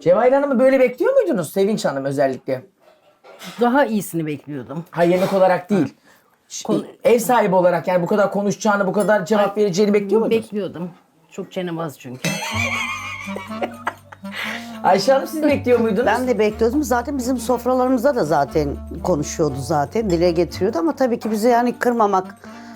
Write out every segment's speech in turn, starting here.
Cevahir Hanım'ı böyle bekliyor muydunuz? Sevinç Hanım özellikle. Daha iyisini bekliyordum. Ha, yemek olarak değil. Ev sahibi olarak yani bu kadar konuşacağını, bu kadar cevap vereceğini bekliyor muydunuz? Bekliyordum. Çok çenebaz çünkü. Ayşe Hanım siz bekliyor muydunuz? Ben de bekliyordum. Zaten bizim sofralarımızda da zaten konuşuyordu zaten. Dile getiriyordu ama tabii ki bizi yani kırmamak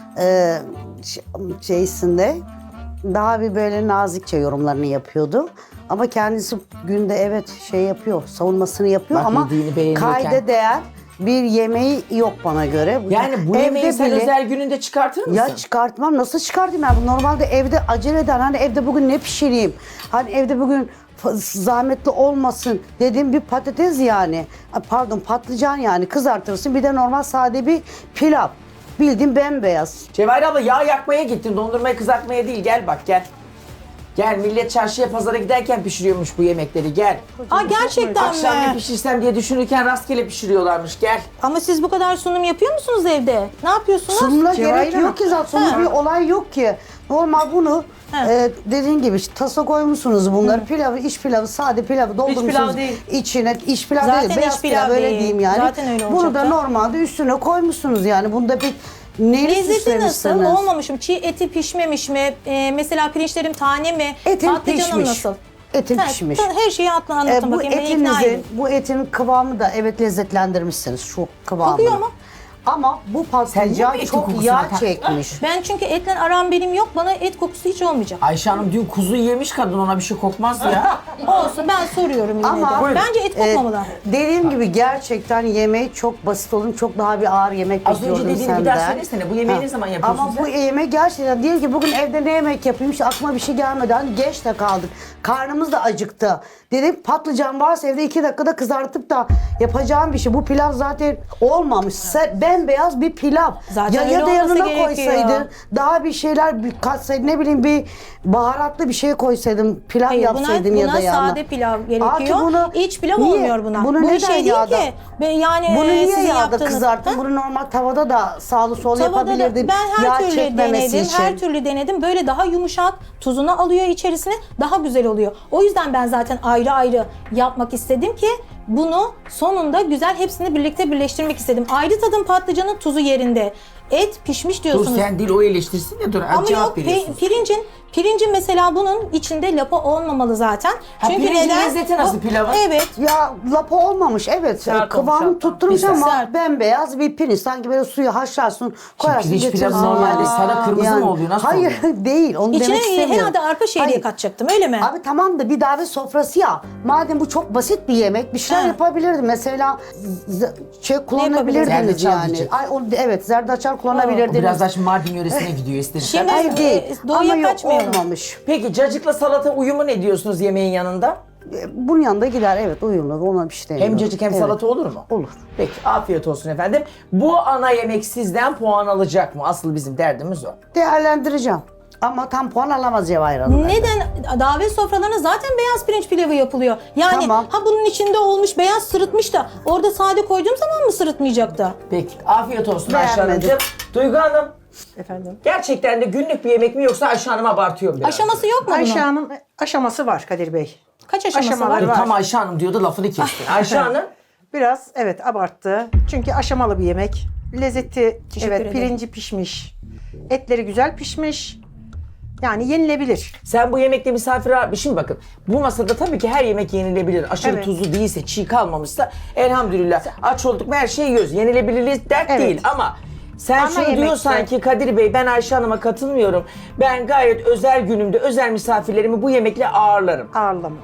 şeysinde daha bir böyle nazikçe yorumlarını yapıyordu. Ama kendisi günde evet şey yapıyor, savunmasını yapıyor Bak, ama yediğini beğeniyorken. kayda değer bir yemeği yok bana göre. Yani bu Evde yemeği sen bile- özel gününde çıkartır mısın? Ya çıkartmam. Nasıl çıkartayım ben? Normalde evde acele eden hani evde bugün ne pişireyim? Hani evde bugün zahmetli olmasın dediğim bir patates yani. Pardon patlıcan yani kızartırsın. Bir de normal sade bir pilav. Bildiğin bembeyaz. Cevahir abla yağ yakmaya gittin. Dondurmayı kızartmaya değil. Gel bak gel. Gel, millet çarşıya pazara giderken pişiriyormuş bu yemekleri, gel. Aa, gerçekten Akşam ne mi? pişirsem diye düşünürken rastgele pişiriyorlarmış, gel. Ama siz bu kadar sunum yapıyor musunuz evde? Ne yapıyorsunuz? Sunumla Cevahir gerek Hanım. yok ki zaten. Sunumda Ha. bir olay yok ki. Normal bunu Ha. dediğin gibi işte tasa koymuşsunuz bunları. Pilavı, iç pilavı, sade pilavı doldurmuşsunuz. pilav değil. İçine iç pilav Zaten değil, beyaz iç pilav pilav öyle değil. diyeyim yani. Zaten öyle Bunu da olacaktı. normalde üstüne koymuşsunuz yani. Bunda bir neyini Lezzeti nasıl? süslemişsiniz? Olmamışım. Çiğ eti pişmemiş mi? Mesela pirinçlerim tane mi? Etin Patlıcanım pişmiş. nasıl? Etin Ha, pişmiş. Her şeyi anlatın Bu bakayım. Beni ikna edin. bu etin kıvamı da evet lezzetlendirmişsiniz şu kıvamını. Kokuyor mu? Ama bu Sen patlıcan niye etin çok kokusuna yağ tak- çekmiş. Ben çünkü etle aram benim yok. Bana et kokusu hiç olmayacak. Ayşe Hanım dün kuzu yemiş, kadın ona bir şey kokmaz ya. Olsun, ben soruyorum yine Ama de. Buyurun. Bence et kokmamalı. Dediğim gibi gerçekten yemeği çok basit olun. Çok daha bir ağır yemek Az önce bekliyordum dediğini senden. bir daha söylesene. Bu yemeği ne zaman yapıyorsun Ama sen? bu yemek gerçekten diyelim ki bugün evde ne yemek yapayım işte aklıma bir şey gelmedi. Hani geç de kaldık. Karnımız da acıktı. Dedim patlıcan varsa evde 2 dakikada kızartıp da yapacağım bir şey. Bu pilav zaten olmamış. Bembeyaz bir pilav. Zaten öyle ya da olması yanına gerekiyor. koysaydın daha bir şeyler katsaydın ne bileyim bir baharatlı bir şey koysaydın pilav Hayır, yapsaydın ya da buna yanına. sade pilav Artık gerekiyor. bunu İç pilav niye- olmuyor buna. Bunu Bu neden şey değil yağda? ki. Yani Bunu niye sizin yağda yaptığınız- kızarttın? Ha? Bunu normal tavada da sağlı sol Tavada da yapabilirdin. ben her Yağ türlü çekmemesi denedim. için. Her türlü denedim. Böyle daha yumuşak, tuzunu alıyor içerisine, daha güzel oluyor. O yüzden ben zaten ayrı ayrı yapmak istedim ki bunu sonunda güzel hepsini birlikte birleştirmek istedim. Ayrı tadım patlıcanın tuzu yerinde. Et pişmiş Dur diyorsunuz. sen değil, o eleştirsin de dur. Ama cevap yok veriyorsun. pirincin mesela bunun içinde lapa olmamalı zaten. Ha, pirincin lezzeti nasıl pilavın? Evet. Ya lapa olmamış evet. Sert olmuş Kıvamı hatta. tutturmuş Güzel. ama Sert. bembeyaz bir pirinç. Sanki böyle suyu haşlarsın koyarsın pirinç getirirsin. pilavı normalde sarı kırmızı mı oluyor? Nasıl Hayır oluyor? değil onu demek İçine istemiyorum. herhalde arpa şehriye Hayır. katacaktım, öyle mi? Abi tamam da bir davet sofrası ya. Madem bu çok basit bir yemek bir şeyler Ha. yapabilirdim. Mesela kullanabilirdiniz Zerdeçal yani. diyecek. Evet zerdeçal O kullanabilirdiniz. biraz daha şimdi Mardin yöresine gidiyor ister istemez. Şimdi- Hayır değil. Doğuya Ama yok kaçmayalım. olmamış. Peki cacıkla salata uyumu ne diyorsunuz yemeğin yanında? Bunun yanında gider evet uyumlu ona bir şey demiyorum. Hem cacık hem Evet. salata olur mu? Olur. Peki afiyet olsun efendim. Bu ana yemek sizden puan alacak mı? Asıl bizim derdimiz o. Değerlendireceğim. Ama tam puan alamaz Cevahir Hanım. Neden? Davet sofralarına zaten beyaz pirinç pilavı yapılıyor. Yani Tamam. ha bunun içinde olmuş beyaz sırıtmış da orada sade koyduğum zaman mı sırıtmayacaktı? Peki afiyet olsun Ayşe Beğenmedim. Hanımcığım. Duygu Hanım Efendim. gerçekten de günlük bir yemek mi yoksa Ayşe Hanım abartıyor mu biraz? Aşaması yok mu bunun? Ayşe Hanım aşaması var Kadir Bey. Kaç aşaması aşamaları var? Dur, tam Ayşe Hanım diyordu lafını kestin. Ayşe Hanım Biraz evet abarttı. Çünkü aşamalı bir yemek. Lezzeti Teşekkür evet ederim. pirinci pişmiş. Etleri güzel pişmiş. Yani yenilebilir. sen bu yemekte misafir abi şimdi bakın bu masada tabii ki her yemek yenilebilir. Aşırı Evet. tuzlu değilse, çiğ kalmamışsa elhamdülillah aç olduk mu her şeyi yiyoruz. Yenilebilirliği dert Evet. değil ama sen Ana şunu yemekte- diyorsan ki Kadir Bey ben Ayşe Hanım'a katılmıyorum. Ben gayet özel günümde özel misafirlerimi bu yemekle ağırlarım. Ağırlama.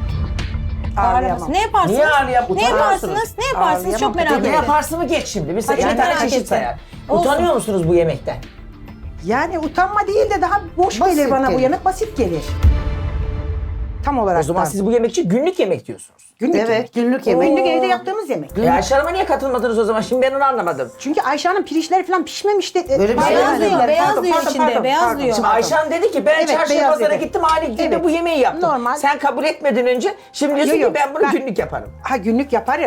Ağırlaması. Ne yaparsınız? Niye ağırlayıp Ne utanıyorsunuz? yaparsınız? Ne yaparsınız? Ağırlayamam. Çok merak Ne ediyorum. yaparsın geç şimdi. Biz Hadi iki ben tane merak çeşit ettim. sayar. Olsun. Utanıyor musunuz bu yemekten? Yani utanma değil de daha boş Basit gelir bana bu gelir. yemek. Basit gelir. Tam olarak O zaman da. siz bu yemek için günlük yemek diyorsunuz. Günlük Evet yemek. günlük yemek. Günlük evde yaptığımız yemek. Ayşe Hanım'a niye katılmadınız o zaman? Şimdi ben onu anlamadım. Çünkü Ayşe Hanım pirinçleri falan pişmemişti. Böyle bir şey Beyaz demedim. diyor, beyaz diyor içinde, beyaz diyor. Şimdi Ayşe Hanım dedi ki ben Evet, çarşıya beyaz pazara dedi. gittim aynı günde Evet. bu yemeği yaptım. Normal. Sen kabul etmeden önce şimdi diyorsun Yok, ki yok. ben bunu günlük yaparım. Ha günlük yaparım.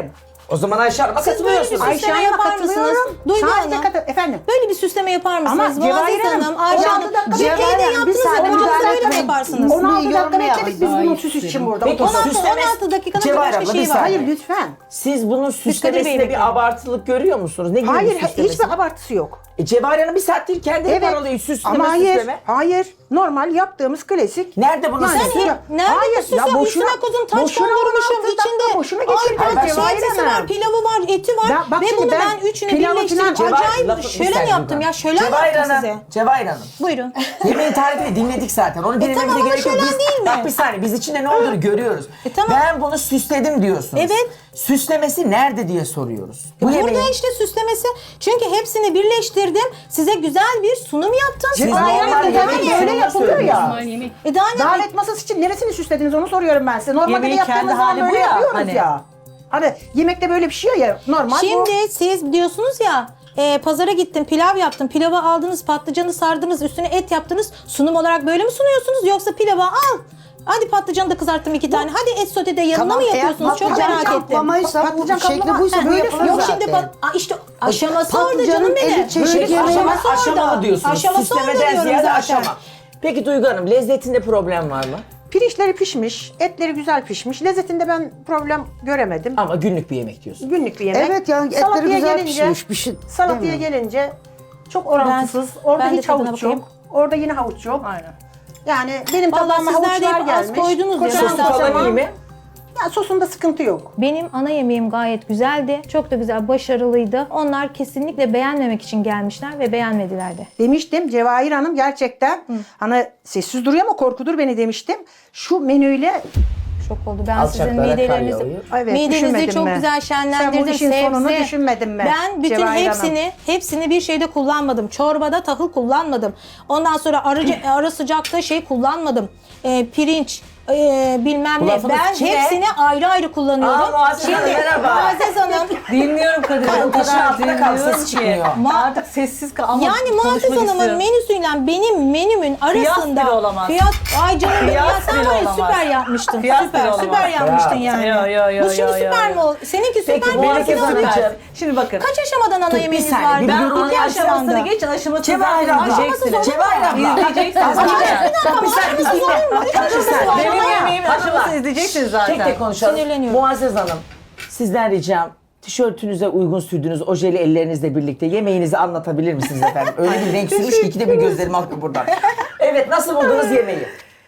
O zaman Ayşe Hanım'a Siz böyle bir katılıyorsunuz. süsleme Ayşe Hanım'a yapar mısınız? katılıyorum. Duygu Sadece Hanım. efendim. Böyle bir süsleme yapar mısınız? Ama Muazzez Cevahir Hanım, Hanım, Ayşe 16 Hanım. dakika Türkiye'de Cevahir Hanım, bir yaptınız saniye ama müdahale böyle mi etmeyin. yaparsınız? 16 dakika yorumlayalım. bekledik biz bunun süs için burada. Peki, 16 süslemesi- dakikanın Cevahir başka abla, şeyi bir var. saniye. Hayır lütfen. Siz bunun süslemesinde Bey bir bekliyorum. abartılık görüyor musunuz? Ne gibi Hayır bir süslemesi? hiçbir abartısı yok. Cevahir Hanım bir saattir kendi Evet. paralıyor süsleme Ama hayır. süsleme. Hayır. Normal yaptığımız klasik. Nerede bunun Yani süsü? hep- Nerede Hayır, bu süsü? ya boşuna- Üstüne koydum taç boşuna kondurmuşum 16 dakika içinde. boşuna geçirdim Ay, Cevahir şeysi var, Hanım. pilavı var, eti var. Ya bak Ve şimdi bunu ben ben üçünü pilavı birleştirip falan- acayip lafı- bir şölen saniye yaptım Duygu. ya. Şölen Cevahir yaptım Hanım, size. Cevahir Hanım. Buyurun. Yemeğin tarifini dinledik zaten. Onu dinlememize tamam ama gerek yok. şölen Biz, değil mi? Bak bir saniye biz içinde ne olduğunu görüyoruz. Tamam. Ben bunu süsledim diyorsunuz. Evet. Süslemesi nerede diye soruyoruz. Bu Burada yemeğin- işte süslemesi. Çünkü hepsini birleştirdim. Size güzel bir sunum yaptım. Siz Daha normal yemek yemek yani. sunumunu Böyle yapılıyor ya. söylüyorsunuz. Daha ne? Davet masası için neresini süslediniz onu soruyorum ben size. Normalde Yemeğin yaptığımız kendi zaman hali bu böyle ya, yapıyoruz hani. ya. Hani yemekte böyle pişiyor ya normal bu. Şimdi siz diyorsunuz ya pazara gittim pilav yaptım. Pilavı aldınız patlıcanı sardınız üstüne et yaptınız. Sunum olarak böyle mi sunuyorsunuz yoksa pilavı al. Hadi patlıcanı da kızarttım 2 tane. Hadi et sote de yanına mı yapıyorsunuz? Çok merak ettim. Kaplamaysa bu Patlıcan şekli kaplama- buysa Ha, böyle yok, yapılır Yok zaten. şimdi işte aşaması orada Patlıcanın canım benim. 50 çeşit Böyle yemeği var. aşama, aşamalı diyorsunuz. Aşaması orada Süslemeden diyorum ziyade zaten. aşama. Peki Duygu Hanım lezzetinde problem var mı? Pirinçleri pişmiş, etleri güzel pişmiş. Lezzetinde ben problem göremedim. Ama günlük bir yemek diyorsun. Günlük bir yemek. Evet yani etleri Salataya güzel gelince- pişmiş. Bir şey Salataya demiyorum. gelince çok orantısız. Orada ben de hiç tadına havuç bakayım. yok. Orada yine havuç yok. Aynen. Yani benim Vallahi tabağıma sizler de havuçlar hep az gelmiş. koydunuz ya. Kocaman Sosu Ben falan tabağıma- iyi mi? Ya sosunda sıkıntı yok. Benim ana yemeğim gayet güzeldi. Çok da güzel, başarılıydı. Onlar kesinlikle beğenmemek için gelmişler ve beğenmediler de. Demiştim Cevahir Hanım gerçekten hani sessiz duruyor ama korkudur beni demiştim. Şu menüyle Şok oldu. Ben Alçaklara sizin kar midelerinizi, yağıyor. Evet, midenizi düşünmedin çok mi? güzel Sen şenlendirdim. bu işin sonunu düşünmedin mi? Ben bütün Cevahir Hanım? hepsini bir şeyde kullanmadım. Çorbada tahıl kullanmadım. Ondan sonra ara sıcakta şey kullanmadım. Pirinç, bilmem Bu ne. lafın Ben içine- hepsini ayrı ayrı kullanıyorum. Aa, Muazzez Hanım, merhaba. Muazzez Hanım. Dinliyorum Kadir. Kadın O taşı kadar altında kaldı, dinliyorum sesi ki. çıkmıyor. Artık sessiz kal. Ama Yani Muazzez konuşmak Hanım'ın istiyorum. menüsüyle benim menümün arasında bile olamaz. ay canım benim ya Kıyas sen bile var ya olamaz. süper yapmıştın. Kıyas bile süper olamaz. süper yapmıştın Bravo. yani. Yo, Bu şimdi süper mi oldu? Seninki süper Peki, mi? Melike Muazzez Hanım? Hanımcığım. Şimdi bakın. Kaç aşamadan ana bir yemeğiniz saniye, var? bir Ben yorumunu iki aşamasını aşamada. geçin. Aşamasını Cevahir zaten abla. izleyeceksiniz. Cevahir abla. İzleyeceksiniz Bak, zaten. bak bir saniye bir dinle. Bak bir saniye. Benim Hanımlar, yemeğimin hanımlar. aşamasını izleyeceksiniz zaten. Tek tek konuşalım. Sinirleniyorum. Muazzez Hanım, sizden ricam tişörtünüze uygun sürdüğünüz ojeli ellerinizle birlikte yemeğinizi anlatabilir misiniz efendim? Öyle bir renk sürmüş ki ikide bir gözlerim akıyor buradan. Evet, nasıl buldunuz yemeği?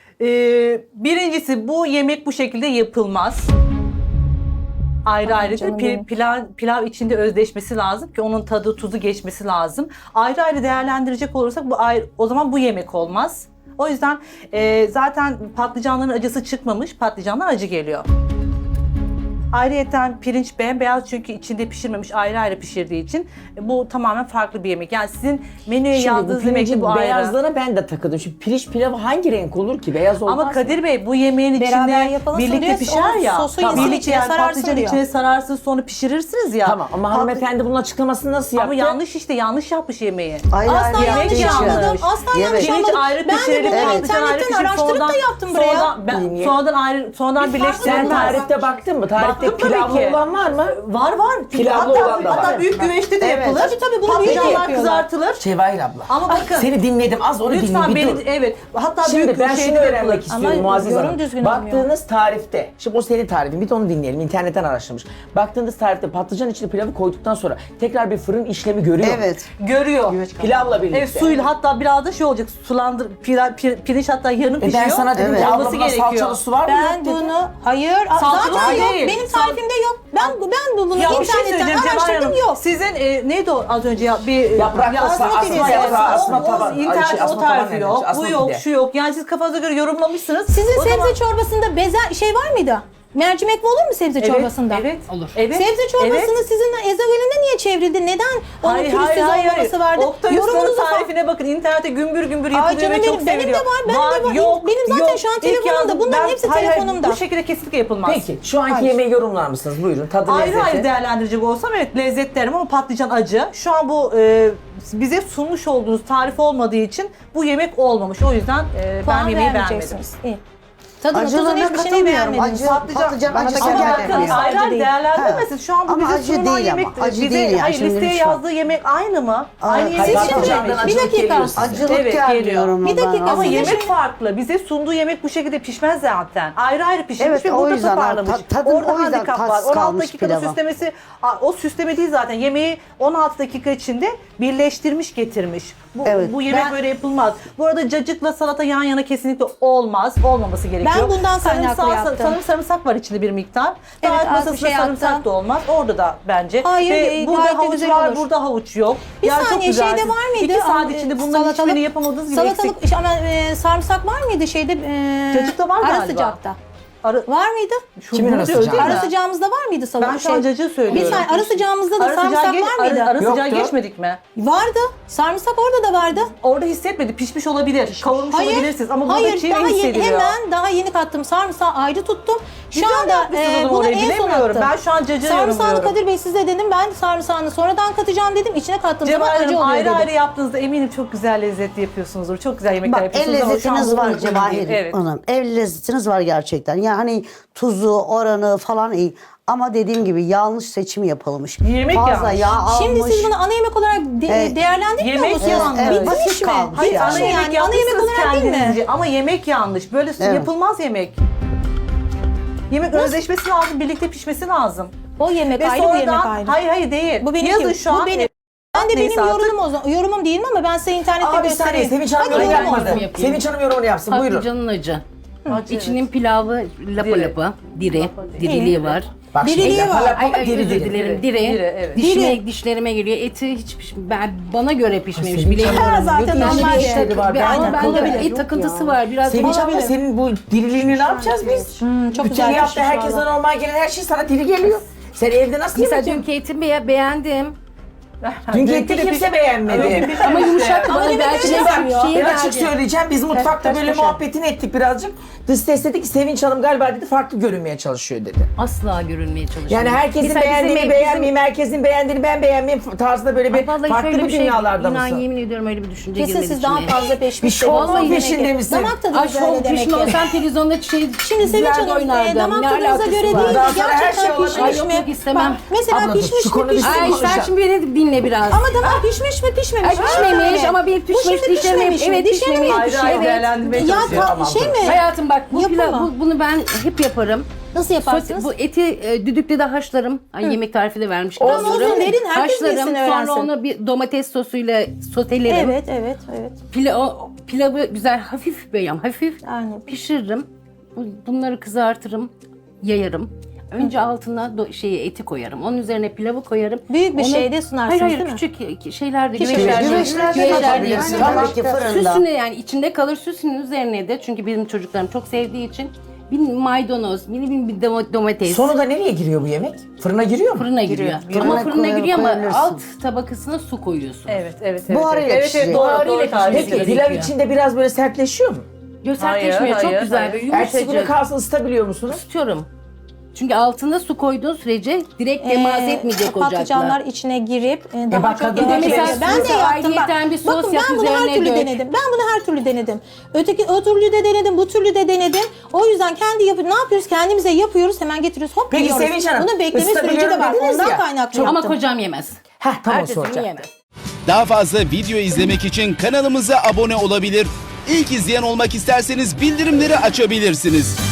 Birincisi bu yemek bu şekilde yapılmaz. Ayrı ayrı canım değil. benim. Pilav içinde özdeşmesi lazım ki onun tadı tuzu geçmesi lazım. Ayrı ayrı değerlendirecek olursak bu ayrı, o zaman bu yemek olmaz. O yüzden zaten patlıcanların acısı çıkmamış, patlıcanlar acı geliyor. Ayrıyeten pirinç bembeyaz çünkü içinde pişirmemiş, ayrı ayrı pişirdiği için bu tamamen farklı bir yemek. Yani sizin menüye Şimdi bu yazdığınız yemekte pirincin bu ayrı. beyazlarına ben de takıldım. Şimdi pirinç pilavı hangi renk olur ki? Beyaz olmaz Ama mı? Kadir Bey bu yemeğin Beraber içinde yapalım birlikte diyor, pişer onun ya. sosu yesin, Birlikte içine yani sararsın patlıcanın diyor. içine sararsın sonra pişirirsiniz ya. Tamam ama hanımefendi bunun açıklamasını nasıl yaptı? Ama yanlış işte yanlış yapmış yemeği. Ayrı Asla ayrı yanlış yaptığı için. yapmadım. Asla yanlış Evet. Pirinç yapmadım. ayrı Ben de pişirilir, bunu patlıcan ayrı internetten pişirilir. araştırıp da yaptım buraya. Sonradan birleştirilmez. Sen tarifte baktın mı? Tarifte Baktım tabii pilavlı ki. olan var mı? Var. Pilavlı olan da var. Hatta büyük güveçte de Evet. yapılır. Tabii, bunu büyük de Patlıcanlar yapıyorlar. kızartılır. Cevahir abla. Ama bakın. Seni dinledim az onu Lütfen dinle bir dur. beni evet. Hatta Şimdi büyük ben şeyde şunu de öğrenmek yapılır. istiyorum Ama Muazzez yorum Hanım. düzgün olmuyor. Baktığınız tarifte, şimdi o senin tarifin bir de onu dinleyelim. İnternetten araştırmış. Baktığınız tarifte patlıcan içine pilavı koyduktan sonra tekrar bir fırın işlemi görüyor. Evet. Görüyor. Pilavla birlikte. Evet suyla hatta biraz da şey olacak pirinç hatta yarım pişiyor. Ben sana dedim ki abla olması buna salçalı su var mı? Ben Yok dedim. bunu Salçalı zaten yok. değil. Benim tarifimde yok. Ben bunu Ya bir şey internetten söyleyeceğim Cevahir araştırdım Hanım. yok. Sizin neydi o az önce ya bir Yaprak asma asma pidesi. yaprağı, asma O taban. İnternette Asma o taban tarifi denir. yok. Asma Bu yok, pide. şu yok. Yani siz kafanıza göre yorumlamışsınız. Sizin O sebze zaman- çorbasında şey var mıydı? Mercimek mi olur mu sebze çorbasında? Evet. Olur. Evet. Sebze çorbasını Evet. sizin ezogelinde niye çevrildi? Neden onun pürüzsüz olmaması vardı? Oktay Usta'nın tarifine bakın. İnternette gümbür gümbür Ay yapılıyor canım ve çok benim de seviliyor. var, ben de var. Yok, Benim zaten şu an İlk telefonumda. yazdım. Bunların hepsi telefonumda. Bu şekilde kesinlikle yapılmaz. Peki şu anki yemeği yorumlar mısınız? Buyurun tadı Ayrı lezzeti. ayrı değerlendirecek olsam evet lezzet derim ama patlıcan acı. Şu an bu bize sunmuş olduğunuz tarif olmadığı için bu yemek olmamış. O yüzden ben Puan yemeği beğenmedim. vermeyeceksiniz. İyi. Tadını tuzunu Acılığına hiçbir şeyini katılmıyorum. beğenmediniz. Patlıcan bana da acısı gelmedi. Ama gelmiyor. bakın ayrı ayrı değil. değerlendirmesin. Şu an bu Ama bize acı sunulan değil ama, yemek. acı bize, değil yani, hayır şimdi listeye lütfen. yazdığı yemek aynı mı? Aynı hayır, yemek. patlıcandan bir acılık dakika. geliyor size. Acılık Evet, gelmiyor geliyor. ama Bir dakika, bana. Ama Sizin yemek şimdi- farklı. Bize sunduğu yemek bu şekilde pişmez zaten. Ayrı ayrı pişirmiş Evet, ve o burada yüzden toparlamış. tadın Orada o yüzden handikap var. tatsız 16 kalmış dakikada pilava. süslemesi, o süsleme değil zaten. Yemeği 16 dakika içinde birleştirmiş getirmiş. Evet. Bu yemek Ben- böyle yapılmaz. Bu arada cacıkla salata yan yana kesinlikle olmaz. Olmaması gerekiyor. Ben bundan kaynaklı yaptım. Sanırım sarımsak var içinde bir miktar. Evet, Davet az bir masasında şey sarımsak attım. da olmaz. Orada da bence. Hayır, Ve burada gayet de havuç güzel var, olur. burada havuç yok. Bir Ya çok saniye güzel. şeyde var mıydı? 2 saat içinde bunların hiçbirini yapamadığınız gibi eksik. Salatalık, ama sarımsak var mıydı şeyde? Cacıkta var ara galiba. sıcakta. Ara, Var mıydı? Kimin bunu ara diyoruz sıcağı? değil mi? Ara sıcağımızda var mıydı salatalık? Ben şu an cacığı söylüyorum. Bir saniye, ara sıcağımızda da Ara sarımsak sıcağı, var mıydı? ara sıcağı Yoktu. geçmedik mi? Vardı. Sarımsak orada da vardı. Orada hissetmedi. Pişmiş olabilir. Kavurmuş olabilirsiniz. Ama burada hayır, çiğ daha yeni, hissediliyor. hemen daha yeni kattım. Sarımsağı ayrı tuttum. Şu Güzel anda yapmışsınız o zaman bunu orayı, en son bilemiyorum. attım. Ben şu an cacığı Sarımsağını yorumluyorum. Kadir Bey size dedim. Ben sarımsağını sonradan katacağım dedim. İçine kattığım zaman Cemal acı Hanım oluyor ayrı dedim. ayrı yaptığınızda eminim çok güzel lezzetli yapıyorsunuzdur. Çok güzel yemekler Bak el yapıyorsunuz ama şu an lezzetiniz bu var uygun değil. Cevahir Evet. Hanım. El lezzetiniz var gerçekten. Yani hani tuzu, oranı falan iyi. Ama dediğim gibi yanlış seçim yapılmış. Yemek Fazla yanlış. yağ almış. Şimdi siz bunu ana yemek olarak değerlendirmiyor Yemek musunuz? yanlış. Evet, Bitmiş basit mi? kalmış Hayır, yani. ana yemek Ana yemek yapmışsınız olarak değil mi? kendinizce ama yemek yanlış. Böyle Evet. yapılmaz yemek. Yemek özleşmesi lazım, birlikte pişmesi lazım. O yemek Ve ayrı, bu yemek sonradan, ayrı. hayır değil. Bu benim Yazın şu bu an. benim. Ben de Neyse benim artık. yorumum değil mi ama ben size internette Aa bir saniye göstereyim. Sevinç Hanım Hadi yorum yorum yapmadı. yorum yapayım. Sevinç Hanım yorumunu yapsın buyurun. Patlıcanın acı. Acı, İçinin pilavı lapa Diri. lapa, diri, diriliği var. Bak şimdi Diriliği lapa var. lapa ama Ay, diri özür diri. dilerim, Diri, diri. diri, evet. Dişlerime geliyor. Eti hiç bana göre pişmemiş. Sevinç Bilemiyorum. Hanım, zaten ne normal değişik işleri var. Ben Ama bende akıllı. et takıntısı var. Biraz Sevinç abla Olabilir. senin bu diriliğini ne yapacağız biz? çok Bütün güzel hafta pişmiş herkese valla. normal gelen her şey sana diri geliyor. Sen evde nasıl Mesela yemek dünkü etimi beğendim. Dünkü eti kimse beğenmedi. Ama yumuşak Ama bana demek belki öyle de yapmıyor. şeyi Ben açık verdi. söyleyeceğim. Biz mutfakta ters böyle köşe. muhabbetini ettik birazcık. Dış ses dedi ki Sevinç Hanım galiba dedi farklı görünmeye çalışıyor dedi. Asla görünmeye çalışıyorum. Yani herkesin Mesela beğendiğini bizim- beğenmeyeyim, herkesin beğendiğini ben beğenmeyeyim tarzında böyle Ay bir vallahi farklı şöyle bir bir şey, dünyalarda inan mısın? yemin ediyorum öyle bir düşünce Kesin girmedi siz daha içime. fazla Bir peşmiş. şov Vallahi peşinde misin? Damak tadınız Ay öyle şov demek peşinde ki. olsam televizyonda Şimdi Sevinç dizilerde Hanım oynardım. damak Ne tadınıza alakası göre var? değil de Daha sonra her şey gerçekten olabilir. pişmiş Ay mi? yok, yok, istemem. Bak, mesela Abla dur, pişmiş şu mi konuda bir pişmemiş şey Ay sen konuşacağım. şimdi beni dinle biraz. Ama damak pişmiş mi pişmemiş Ay mi? pişmemiş Öyle. ama bir Bu pişmiş şimdi dişlerime pişmemiş mi? evet Dişlerime pişmemiş. Ayrı ayrı değerlendirmeye Ya çalışıyor. Tamam, şey mi? Hayatım bak bu Yapımı. pilav, bunu ben hep yaparım. Nasıl yaparsınız? Bu eti düdükte de haşlarım. Ay, yemek tarifi de vermiş. gibi Olsun, oluyorum. verin, herkes Haşlarım bilsin, sonra öğrensin. onu bir domates sosuyla sotelerim. Evet, evet, evet. Pilavı güzel hafif böyle hafif Aynen. pişiririm. Bunları kızartırım, yayarım. Önce altına eti koyarım. Onun üzerine pilavı koyarım. Büyük bir şeyde sunarsınız, hayır, değil mi? küçük şeylerde, Küçük güveçlerde, güveçlerde güveçlerde yapabilirsiniz. yapıyorum. Tabii ki fırında. Süsüne yani içinde kalır süsünün üzerine de çünkü benim çocuklarım çok sevdiği için bir maydanoz, bir domates. Sonra da nereye giriyor bu yemek? Fırına giriyor mu? Fırına giriyor. Fırına Ama fırına giriyor ama koyabilirsin. alt tabakasına su koyuyorsun. Evet. Buharıyla evet, pişecek. evet, doğru, Buharıyla doğru tarif pişecek. Peki ediyorsun. pilav gerekiyor. içinde biraz böyle sertleşiyor mu? Sertleşmiyor, çok hayır, güzel. hayır. Böyle Ertesi günü yumuşacık. kalsın ısıtabiliyor musunuz? Tutuyorum. Çünkü altına su koyduğun sürece direkt demaz etmeyecek ocakla. Patlıcanlar içine girip daha bak, çok kadın yemek mesela yapıyor. Ben de size yaptım bak. ayrıyeten bir sos Bakın yap, ben bunu her üzerine türlü dök. denedim. Ben bunu her türlü denedim. O türlü de denedim, bu türlü de denedim. O yüzden ne yapıyoruz? Kendimize yapıyoruz, hemen getiriyoruz, hop Peki yiyoruz. Sevinç Hanım, Bunun bekleme süreci de ısıtabiliyorum var. dediniz Ondan ya. kaynaklı Ama yaptım. kocam yemez. Tamam Ertesi günü soracağım. yemez. Daha fazla video izlemek için kanalımıza abone olabilir. İlk izleyen olmak isterseniz bildirimleri açabilirsiniz.